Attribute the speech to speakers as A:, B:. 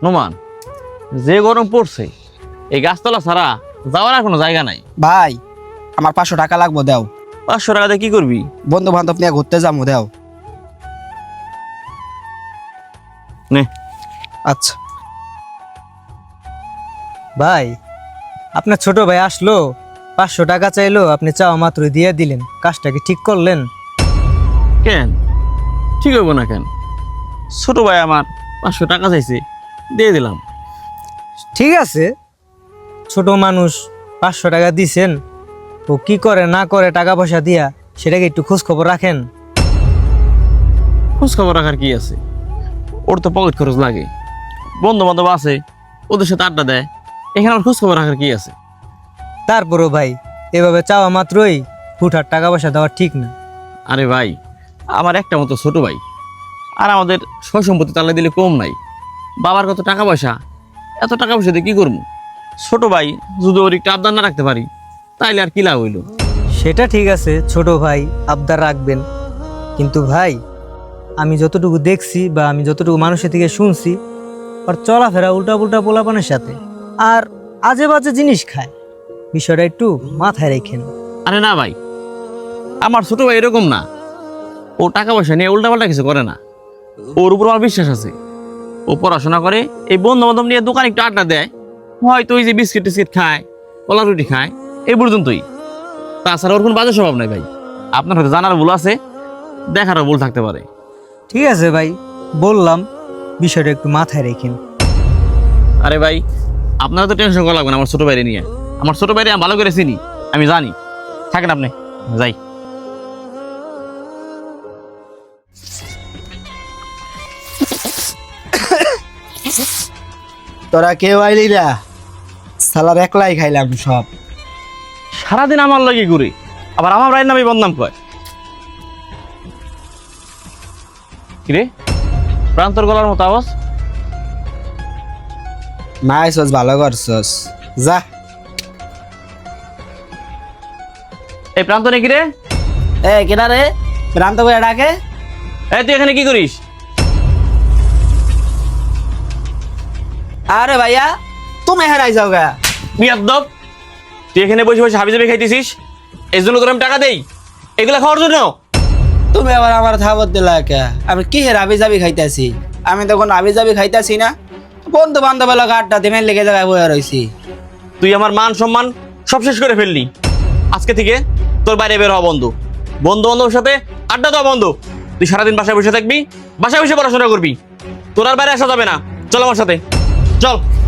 A: নোমান, যে গরম পড়ছে এই গাছতলা ছাড়া যাওয়ার আর কোনো জায়গা নাই।
B: ভাই আমার 500 টাকা লাগবো, দাও।
A: 500 টাকা দিয়ে কি করবি?
B: বন্ধু বান্ধব নিয়ে ঘুরতে যাবো, দাও।
A: নে।
B: আচ্ছা
C: ভাই, আপনার ছোট ভাই আসলো, 500 টাকা চাইলো, আপনি চাওয়া মাত্রই দিয়ে দিলেন। কাজটা কি ঠিক করলেন?
A: কেন ঠিক হইব না কেন? ছোট ভাই আমার 500 টাকা চাইছে, দিয়ে দিলাম।
C: ঠিক আছে, ছোট মানুষ 500 টাকা দিছেন, ও কি করে না করে টাকা পয়সা দিয়া সেটাকে একটু খোঁজ খবর রাখেন।
A: খোঁজ খবর রাখার কি আছে? ওর তো পকেট খরচ লাগে, বন্ধু বান্ধব আছে, ওদের সাথে আড্ডা দেয়, এখানে আমার খোঁজ খবর রাখার কি আছে?
C: তারপরও ভাই, এভাবে চাওয়া মাত্রই হুটহাট টাকা পয়সা দেওয়া ঠিক না।
A: আরে ভাই, আমার একটা মতো ছোট ভাই, আর আমাদের সয় সম্পত্তি তালে দিলে কম নাই। বাবার কত টাকা পয়সা, এত টাকা পয়সা দিয়ে কি করবো? ছোট ভাই যদি ওর একটু আবদার না রাখতে পারি তাইলে আর কি লাভ হইলো?
C: সেটা ঠিক আছে, ছোট ভাই আবদার রাখবেন, কিন্তু ভাই আমি যতটুকু দেখছি বা আমি যতটুকু মানুষের থেকে শুনছি, ওর চলাফেরা উল্টা পুল্টা পোলাপানের সাথে, আর আজে বাজে জিনিস খায়। বিষয়টা একটু মাথায় রেখেন।
A: আরে না ভাই, আমার ছোট ভাই এরকম না। ও টাকা পয়সা নিয়ে উল্টাপাল্টা কিছু করে না, ওর উপর আমার বিশ্বাস আছে। ও পড়াশোনা করে, এই বন্ধু বান্ধব নিয়ে দোকানে একটু আড্ডা দেয়, হয়তো ওই যে বিস্কিট টিস্কিট খায়, কলা রুটি খায়, এই পর্যন্তই। তাছাড়া ওর কোনো বাজে স্বভাব নাই ভাই। আপনার হয়তো জানার ভুল আছে, দেখারও ভুল থাকতে পারে।
C: ঠিক আছে ভাই, বললাম, বিষয়টা একটু মাথায় রেখেন।
A: আরে ভাই, আপনারা তো টেনশন করা লাগবে না আমার ছোট ভাইরে নিয়ে। আমার ছোট ভাইরে আমি ভালো করে চিনি, আমি জানি। থাকেন আপনি, যাই।
B: তোরা কেউ আইলি না, সালার একলাই খাইলাম সব।
A: সারাদিন আমার লাগে ঘুরে, আবার আমার ভাইয়ের নামে বদনাম কয়। কিরে, প্রান্তর গলার মতো আওয়াজ?
B: নাইছস, ভালো করছস, যা।
A: এই প্রান্তনে কিরে?
B: এ কেডা রে? প্রান্ত করে ডাকে।
A: এই তুই এখানে কি করিস?
B: আরে ভাইয়া, তুমি হেরাই যাও গা।
A: বিয়াদ্দব, তুই এখানে বসে বসে হাবি জাবি খাইতেছিস, এই জন্য তোর আমি টাকা দেই এগুলা খাওয়ার জন্য?
B: তুমি আবার আমার থাবত দিলা কে? আমি কি হের আবি যাবি খাইতেছি? আমি তো কোনো আবি যাবি খাইতেছি না, বন্ধু বান্ধব লোক আড্ডা দিমে লেগে জায়গায় বয়ে রয়েছি।
A: তুই আমার মান সম্মান সব শেষ করে ফেললি। আজকে থেকে তোর বাইরে বের হওয়া বন্ধ, বন্ধু বান্ধবের সাথে আড্ডা দেওয়া বন্ধ। তুই সারাদিন বাসায় বসে থাকবি, বাসায় বসে পড়াশোনা করবি, তোর আর বাইরে আসা যাবে না। চল আমার সাথে, চল।